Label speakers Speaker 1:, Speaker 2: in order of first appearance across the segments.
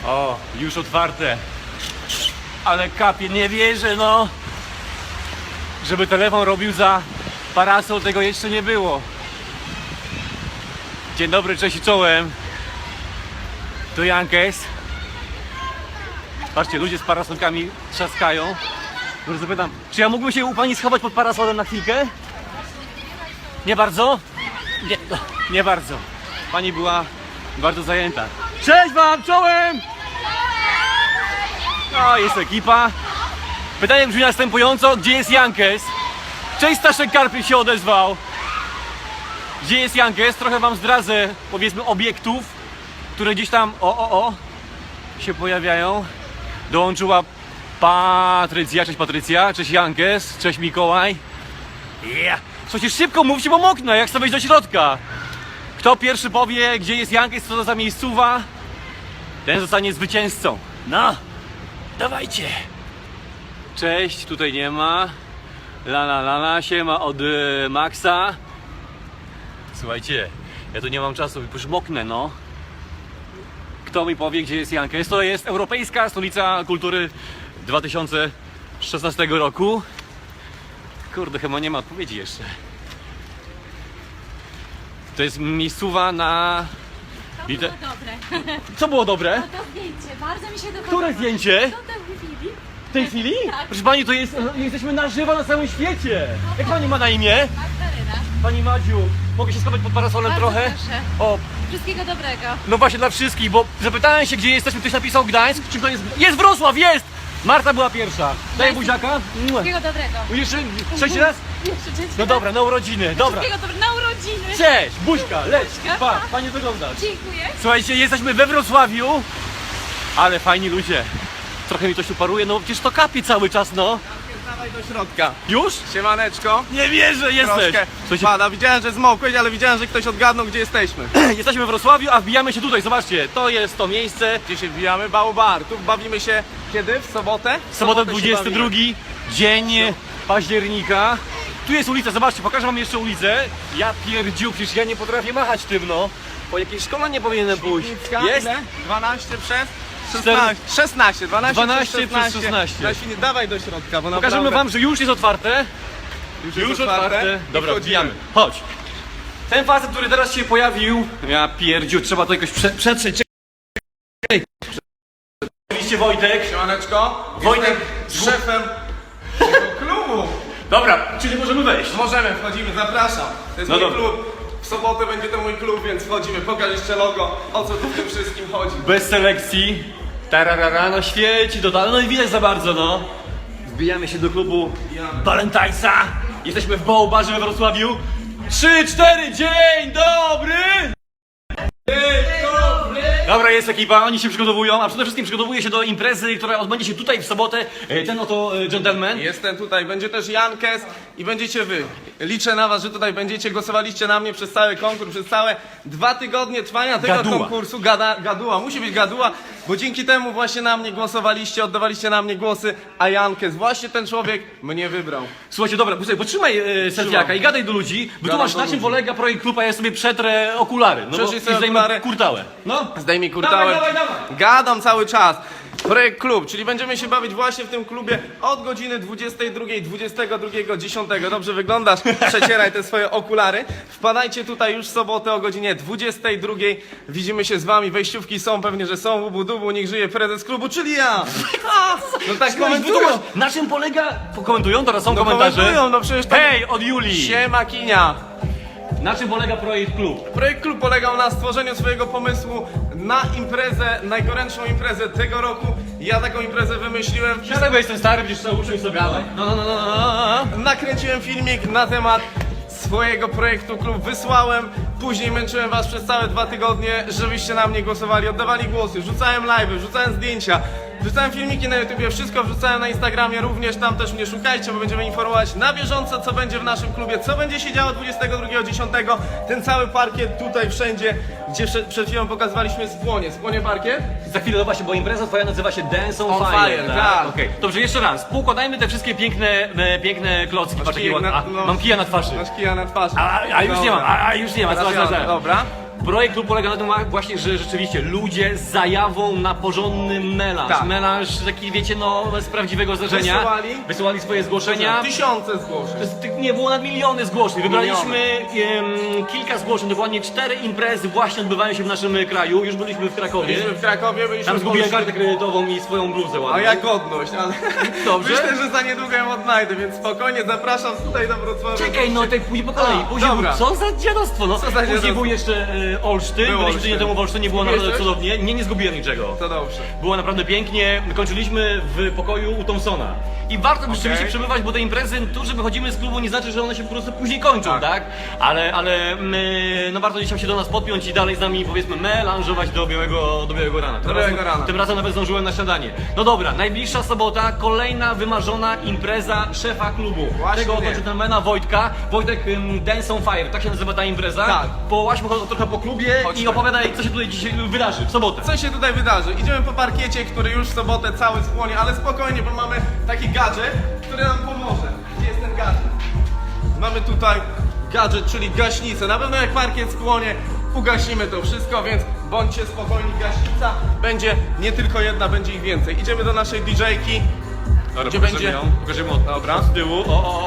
Speaker 1: O, już otwarte. Ale kapie, nie wierzę, no. Żeby telefon robił za parasol, tego jeszcze nie było. Dzień dobry, cześć i czołem. Tu Jankes. Patrzcie, ludzie z parasolkami trzaskają. Może zapytam, czy ja mógłbym się u pani schować pod parasolem na chwilkę? Nie bardzo? Nie bardzo. Pani była bardzo zajęta. Cześć wam, czołem! No, jest ekipa. Pytanie brzmi następująco, gdzie jest Jankes? Cześć, Staszek Karpik się odezwał. Gdzie jest Jankes? Trochę wam zdradzę, powiedzmy, obiektów, które gdzieś tam, się pojawiają. Dołączyła Patrycja, cześć Patrycja, cześć Jankes, cześć Mikołaj. Słuchajcie, szybko mówcie, bo moknę, jak chcę wejść do środka. Kto pierwszy powie, gdzie jest Jankes, co to za miejscowa, ten zostanie zwycięzcą. No, dawajcie. Cześć, tutaj nie ma. La, siema od Maxa. Słuchajcie, ja tu nie mam czasu, już moknę, no. Kto mi powie, gdzie jest Jankes? To jest Europejska Stolica Kultury 2016 roku. Kurde, chyba nie ma odpowiedzi jeszcze. To jest miejscowa na...
Speaker 2: To było dobre.
Speaker 1: Co było dobre?
Speaker 2: No to zdjęcie, bardzo mi się to podoba.
Speaker 1: Które zdjęcie?
Speaker 2: To w chwili.
Speaker 1: W tej chwili?
Speaker 2: Tak.
Speaker 1: Proszę pani, to jest, jesteśmy na żywo na całym świecie. Jak pani ma na imię?
Speaker 2: Magdalena.
Speaker 1: Pani Madziu, mogę się schować pod parasolem
Speaker 2: Bardzo
Speaker 1: trochę?
Speaker 2: proszę.
Speaker 1: O,
Speaker 2: Wszystkiego dobrego.
Speaker 1: no właśnie dla wszystkich, bo zapytałem się, gdzie jesteśmy, ktoś napisał Gdańsk, czy to jest... Jest Wrocław, jest! Marta była pierwsza. Daj buziaka.
Speaker 2: Wszystkiego dobrego.
Speaker 1: Jeszcze trzeci raz?
Speaker 2: Jeszcze trzeci
Speaker 1: No
Speaker 2: raz.
Speaker 1: dobra, na urodziny, dobra.
Speaker 2: Wszystkiego dobrego na urodziny.
Speaker 1: Cześć, buźka, leć,
Speaker 2: Buźka,
Speaker 1: pa,
Speaker 2: pa.
Speaker 1: fajnie wyglądasz.
Speaker 2: Dziękuję.
Speaker 1: Słuchajcie, jesteśmy we Wrocławiu, ale fajni ludzie. Trochę mi to się paruje, no przecież to kapie cały czas, no.
Speaker 3: Dawaj do środka.
Speaker 1: Już?
Speaker 3: Siemaneczko.
Speaker 1: Nie wierzę, jesteś.
Speaker 3: Troszkę
Speaker 1: Słuchajcie,
Speaker 3: pada. Widziałem, że zmokłeś, ale widziałem, że ktoś odgadnął, gdzie jesteśmy.
Speaker 1: jesteśmy we Wrocławiu, a wbijamy się tutaj, zobaczcie. To jest to miejsce.
Speaker 3: Gdzie się wbijamy? Baobar. Tu bawimy się kiedy? W sobotę?
Speaker 1: W sobotę
Speaker 3: się
Speaker 1: 22
Speaker 3: bawimy.
Speaker 1: dzień października. Tu jest ulica, zobaczcie, pokażę wam jeszcze ulicę. Ja pierdziu, przecież ja nie potrafię machać tym, no. Po jakiej szkole nie powinienem pójść.
Speaker 3: Świdnicka,
Speaker 1: Jest?
Speaker 3: ile? 12 przez 16. 16. 12
Speaker 1: 12
Speaker 3: przez
Speaker 1: przez 16.
Speaker 3: Na Świdnicy. Dawaj do środka, bo
Speaker 1: Pokażemy
Speaker 3: naprawdę
Speaker 1: wam, że już jest otwarte.
Speaker 3: już otwarte.
Speaker 1: Dobra,
Speaker 3: I
Speaker 1: wbijamy. Chodź. Ten facet, który teraz się pojawił. Ja pierdziu, trzeba to jakoś przetrzeć. Czekaj. Oczywiście Wojtek.
Speaker 3: Siemaneczko.
Speaker 1: Wojtek.
Speaker 3: Jestem szefem tego klubu.
Speaker 1: Dobra, czyli możemy wejść.
Speaker 3: Możemy, wchodzimy, zapraszam. To jest
Speaker 1: No
Speaker 3: mój
Speaker 1: dobra.
Speaker 3: klub. W sobotę będzie to mój klub, więc wchodzimy. Pokaż jeszcze logo, o co tu w tym wszystkim chodzi.
Speaker 1: Bez selekcji. Tararara, no świeci totalnie. No i widać za bardzo, no. Wbijamy się do klubu Valentinesa. Jesteśmy w Baobarze we Wrocławiu. 3, 4, dzień dobry! Dobra, jest ekipa, oni się przygotowują, a przede wszystkim przygotowuje się do imprezy, która odbędzie się tutaj w sobotę. Ten oto gentleman.
Speaker 3: Jestem tutaj, będzie też Jankes i będziecie wy. Liczę na was, że tutaj będziecie, głosowaliście na mnie przez cały konkurs, przez całe 2 tygodnie trwania tego
Speaker 1: Gaduła.
Speaker 3: konkursu. Gaduła, musi być gaduła, bo dzięki temu właśnie na mnie głosowaliście, oddawaliście na mnie głosy, a Jankes, właśnie ten człowiek mnie wybrał.
Speaker 1: Słuchajcie, dobra, potrzymaj selfiaka i gadaj do ludzi, wytłumacz
Speaker 3: do
Speaker 1: na czym
Speaker 3: ludzi.
Speaker 1: polega projekt klubu, a ja sobie przetrę okulary. No
Speaker 3: Przetrzyj
Speaker 1: bo
Speaker 3: sobie
Speaker 1: i zdejmę
Speaker 3: okulary.
Speaker 1: kurtałę. No.
Speaker 3: Zdejmij kurtałę.
Speaker 1: Dawaj.
Speaker 3: Gadam cały czas. Projekt klub, czyli będziemy się bawić właśnie w tym klubie od godziny 22, 22, 10. Dobrze wyglądasz? Przecieraj te swoje okulary. Wpadajcie tutaj już w sobotę o godzinie 22. Widzimy się z wami. Wejściówki są, pewnie, że są. Łubu dubu, niech żyje prezes klubu, czyli ja. No tak komentują.
Speaker 1: Wytłumacz, na czym polega... Komentują? Teraz są
Speaker 3: No
Speaker 1: komentarze.
Speaker 3: komentują, no przecież tak.
Speaker 1: Hej, od Julii!
Speaker 3: Siema kinia.
Speaker 1: Na czym polega projekt klub?
Speaker 3: Projekt klub polegał na stworzeniu swojego pomysłu na imprezę, najgorętszą imprezę tego roku. Ja taką imprezę wymyśliłem.
Speaker 1: Dlatego jestem stary, będziesz trzeba uczyć sobie. No.
Speaker 3: Nakręciłem filmik na temat swojego projektu klub, wysłałem, później męczyłem was przez całe 2 tygodnie, żebyście na mnie głosowali, oddawali głosy, rzucałem live'y, rzucałem zdjęcia, wrzucałem filmiki na YouTubie, wszystko wrzucałem na Instagramie, również tam też mnie szukajcie, bo będziemy informować na bieżąco, co będzie w naszym klubie, co będzie się działo 22.10. Ten cały parkiet tutaj wszędzie, gdzie przed chwilą pokazywaliśmy Spłonie parkiet.
Speaker 1: Za chwilę, no właśnie, bo impreza twoja nazywa się Dance on,
Speaker 3: On
Speaker 1: Fire.
Speaker 3: Fire, tak.
Speaker 1: Okej. Dobrze, jeszcze raz. Poukładajmy te wszystkie piękne klocki. Patrz,
Speaker 3: kijek
Speaker 1: jakie ładne.
Speaker 3: na- no.
Speaker 1: Mam kija na twarzy.
Speaker 3: Masz kija na twarzy.
Speaker 1: A już nie mam, a już nie ma.
Speaker 3: Teraz ja, dobra.
Speaker 1: Projekt klub polega na tym właśnie, że rzeczywiście ludzie z zajawą na porządny melanż.
Speaker 3: Tak.
Speaker 1: Melanż taki, wiecie, no z prawdziwego zdarzenia. Wysyłali swoje zgłoszenia.
Speaker 3: Tysiące zgłoszeń.
Speaker 1: Nie, było na miliony zgłoszeń. Wybraliśmy kilka zgłoszeń, dokładnie 4 imprezy właśnie odbywają się w naszym kraju. Już byliśmy w Krakowie.
Speaker 3: Byliśmy w Krakowie, byliśmy
Speaker 1: Tam
Speaker 3: w
Speaker 1: zgubiłem
Speaker 3: Polsce.
Speaker 1: kartę kredytową i swoją bluzę ładną.
Speaker 3: A ja godność, ale
Speaker 1: Dobrze.
Speaker 3: myślę, że za niedługo ją odnajdę, więc spokojnie zapraszam tutaj do Wrocławia.
Speaker 1: Czekaj, no tak później po kolei.
Speaker 3: A,
Speaker 1: Później
Speaker 3: dobra.
Speaker 1: co za dziadostwo, no.
Speaker 3: Co za
Speaker 1: Później
Speaker 3: dziadostwo?
Speaker 1: był jeszcze Olsztyn,
Speaker 3: Był
Speaker 1: byliśmy
Speaker 3: Olsztyn.
Speaker 1: tydzień temu w Olsztynie, było naprawdę
Speaker 3: Zgubiłeś coś?
Speaker 1: cudownie. Nie zgubiłem niczego.
Speaker 3: To dobrze.
Speaker 1: Było naprawdę pięknie, kończyliśmy w pokoju u Thompsona. I warto rzeczywiście przebywać, bo te imprezy, tu, że wychodzimy z klubu, nie znaczy, że one się po prostu później kończą, tak? Ale no warto gdzieś tam się do nas podpiąć i dalej z nami, powiedzmy, melanżować do białego rana. Tym razem nawet zdążyłem na śniadanie. No dobra, najbliższa sobota, kolejna wymarzona impreza szefa klubu.
Speaker 3: Właśnie
Speaker 1: Tego oto
Speaker 3: nie.
Speaker 1: gentlemana Wojtka. Wojtek, Dance on Fire, tak się nazywa ta impreza.
Speaker 3: Tak.
Speaker 1: Połaźmy trochę po klubie
Speaker 3: Chodźmy.
Speaker 1: i opowiadaj, co się tutaj dzisiaj wydarzy w sobotę.
Speaker 3: Co się tutaj wydarzy? Idziemy po parkiecie, który już w sobotę cały spłonie, ale spokojnie, bo mamy taki gadżet, który nam pomoże. Gdzie jest ten gadżet? Mamy tutaj gadżet, czyli gaśnicę. Na pewno jak parkiet spłonie, ugasimy to wszystko, więc bądźcie spokojni, gaśnica będzie nie tylko jedna, będzie ich więcej. Idziemy do naszej DJ-ki, gdzie będzie...
Speaker 1: Pokażemy od
Speaker 3: Dobra.
Speaker 1: z tyłu.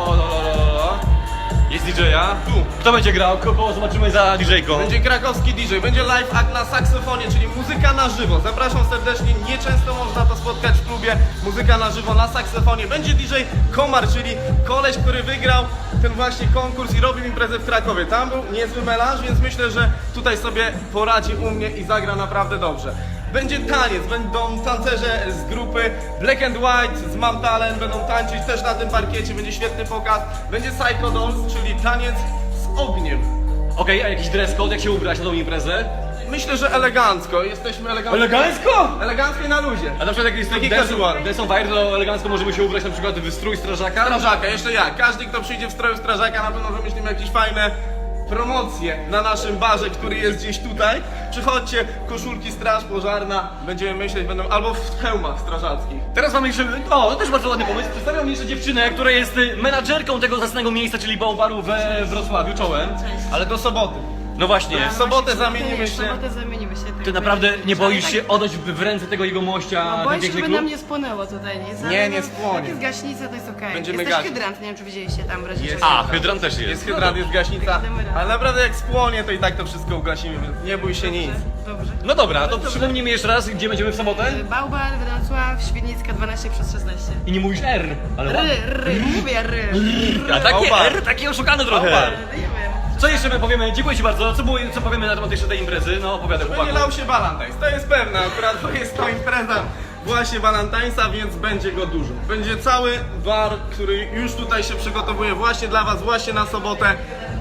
Speaker 1: O. Jest DJ-a.
Speaker 3: Tu.
Speaker 1: Kto będzie grał? Kogo zobaczymy za DJ-ką?
Speaker 3: Będzie krakowski DJ, będzie live act na saksofonie, czyli muzyka na żywo. Zapraszam serdecznie, nieczęsto można to spotkać w klubie. Muzyka na żywo na saksofonie. Będzie DJ Komar, czyli koleś, który wygrał ten właśnie konkurs i robił imprezę w Krakowie. Tam był niezły melanż, więc myślę, że tutaj sobie poradzi u mnie i zagra naprawdę dobrze. Będzie taniec, będą tancerze z grupy Black and White, z Mam Talent, będą tańczyć też na tym parkiecie, będzie świetny pokaz. Będzie Psycho Dolls, czyli taniec z ogniem.
Speaker 1: Okej, a jakiś dress code, jak się ubrać na tą imprezę?
Speaker 3: Myślę, że elegancko, jesteśmy elegancko.
Speaker 1: Elegancko?
Speaker 3: Elegancko i na luzie.
Speaker 1: A na przykład jak jest
Speaker 3: Taki
Speaker 1: Dance
Speaker 3: casual.
Speaker 1: on Fire, to elegancko możemy się ubrać na przykład w strój strażaka.
Speaker 3: Strażaka, jeszcze ja. Każdy, kto przyjdzie w stroju strażaka, na pewno wymyślimy jakieś fajne promocje na naszym barze, który jest gdzieś tutaj. Przychodźcie, koszulki straż pożarna, będziemy myśleć, będą albo w hełmach strażackich.
Speaker 1: Teraz mamy jeszcze, to też bardzo ładny pomysł. Przedstawiam jeszcze dziewczynę, która jest menadżerką tego zacnego miejsca, czyli Baobaru we Wrocławiu, czołem.
Speaker 3: Ale do soboty.
Speaker 1: No właśnie.
Speaker 3: W sobotę zamienimy
Speaker 2: W
Speaker 3: się.
Speaker 2: sobotę zamienimy się.
Speaker 1: Ty naprawdę nie boisz się oddać w ręce tego jego mościa
Speaker 2: No,
Speaker 1: ten
Speaker 2: boję się,
Speaker 1: piękny
Speaker 2: żeby
Speaker 1: klub?
Speaker 2: nam nie spłonęło tutaj, nie?
Speaker 3: Nie, nie spłonie.
Speaker 2: Jak jest gaśnica, to jest okej.
Speaker 3: Będziemy
Speaker 2: Jest też
Speaker 3: gasić.
Speaker 2: hydrant, nie wiem czy widzieliście tam w razie
Speaker 3: Jest.
Speaker 2: czego.
Speaker 1: A, hydrant też jest.
Speaker 3: Jest hydrant, jest gaśnica, ale naprawdę jak spłonie, to i tak to wszystko ugasimy, więc nie bój się nic.
Speaker 2: Dobrze.
Speaker 1: No dobra, to przypomnijmy jeszcze raz, gdzie będziemy w sobotę?
Speaker 2: Bałbar, Wrocław, Świdnicka 12/16.
Speaker 1: I nie mówisz R, ale ładnie.
Speaker 2: Mówię R.
Speaker 1: A takie
Speaker 3: Bałbar.
Speaker 1: R, takie oszukane trochę.
Speaker 3: Bałbar.
Speaker 2: Nie wiem.
Speaker 1: Co jeszcze my powiemy? Dziękuję Ci bardzo. Co powiemy na temat jeszcze tej imprezy? No opowiadaj
Speaker 3: Będzie
Speaker 1: chłopaku.
Speaker 3: lał się Valentine's, to jest pewne, akurat to jest to impreza właśnie Valentine'sa, więc będzie go dużo. Będzie cały bar, który już tutaj się przygotowuje właśnie dla was, właśnie na sobotę.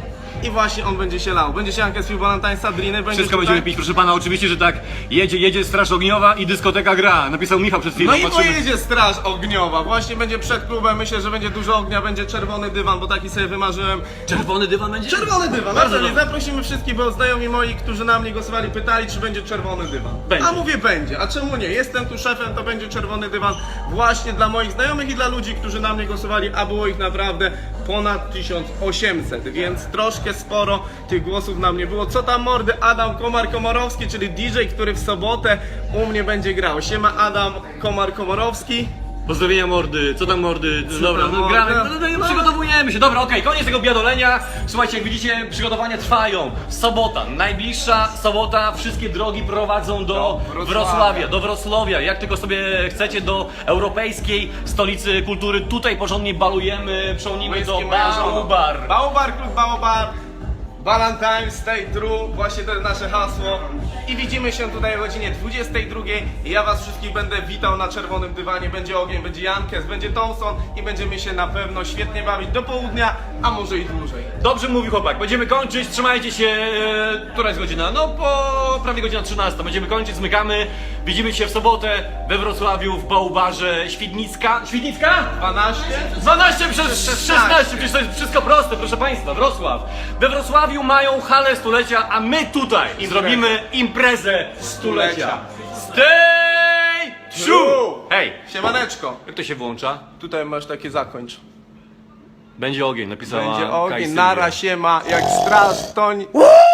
Speaker 3: I właśnie on będzie się lał. Będzie się Jankes pił Valentine'sa, driny, będzie
Speaker 1: Wszystko
Speaker 3: tutaj.
Speaker 1: będziemy pić, proszę pana, oczywiście, że tak. Jedzie Straż Ogniowa i dyskoteka gra. Napisał Michał przed chwilą.
Speaker 3: No i
Speaker 1: Patrzymy.
Speaker 3: pojedzie straż ogniowa, właśnie będzie przed klubem, myślę, że będzie dużo ognia, będzie czerwony dywan, bo taki sobie wymarzyłem.
Speaker 1: Czerwony dywan będzie?
Speaker 3: Czerwony dywan,
Speaker 1: Bardzo
Speaker 3: naprawdę,
Speaker 1: dobrze.
Speaker 3: zaprosimy wszystkich, bo znajomi moi, którzy na mnie głosowali, pytali, czy będzie czerwony dywan.
Speaker 1: Będzie.
Speaker 3: A mówię będzie, a czemu nie? Jestem tu szefem, to będzie czerwony dywan właśnie dla moich znajomych i dla ludzi, którzy na mnie głosowali, a było ich naprawdę ponad 1800, więc troszkę sporo tych głosów na mnie było. Co tam mordy? Adam Komar-Komorowski, czyli DJ, który w sobotę u mnie będzie grał. Siema Adam Komar-Komorowski.
Speaker 1: Pozdrowienia mordy, co tam mordy? Dobra,
Speaker 3: tam
Speaker 1: no
Speaker 3: mordy?
Speaker 1: gramy, no, przygotowujemy się. Dobra, okej, koniec tego biadolenia. Słuchajcie, jak widzicie, przygotowania trwają. Sobota, najbliższa sobota, wszystkie drogi prowadzą do
Speaker 3: Wrocławia.
Speaker 1: do Wrocławia. Jak tylko sobie chcecie, do europejskiej stolicy kultury. Tutaj porządnie balujemy, przełnimy do Baobar.
Speaker 3: Baobar, klub Baobar. Valentine's, stay true, właśnie to jest nasze hasło. I widzimy się tutaj o godzinie 22. I ja was wszystkich będę witał na czerwonym dywanie. Będzie ogień, będzie Jankes, będzie Thompson i będziemy się na pewno świetnie bawić do południa, a może i dłużej.
Speaker 1: Dobrze mówi chłopak, będziemy kończyć, trzymajcie się, która jest godzina? No po prawie godzina 13, będziemy kończyć, zmykamy, widzimy się w sobotę we Wrocławiu w Bałbarze Świdnicka. Świdnicka?
Speaker 3: 12?
Speaker 1: 12 przez 16, przecież to jest wszystko proste, proszę Państwa, Wrocław. We Wrocławiu mają halę stulecia, a my tutaj zrobimy imprezę stulecia. Stay true! Hej,
Speaker 3: Siemaneczko.
Speaker 1: jak to się włącza?
Speaker 3: Tutaj masz takie zakończ.
Speaker 1: Będzie ogień, napisała
Speaker 3: Będzie ogień,
Speaker 1: Kaj Sylwia.
Speaker 3: nara siema, jak straż, toń.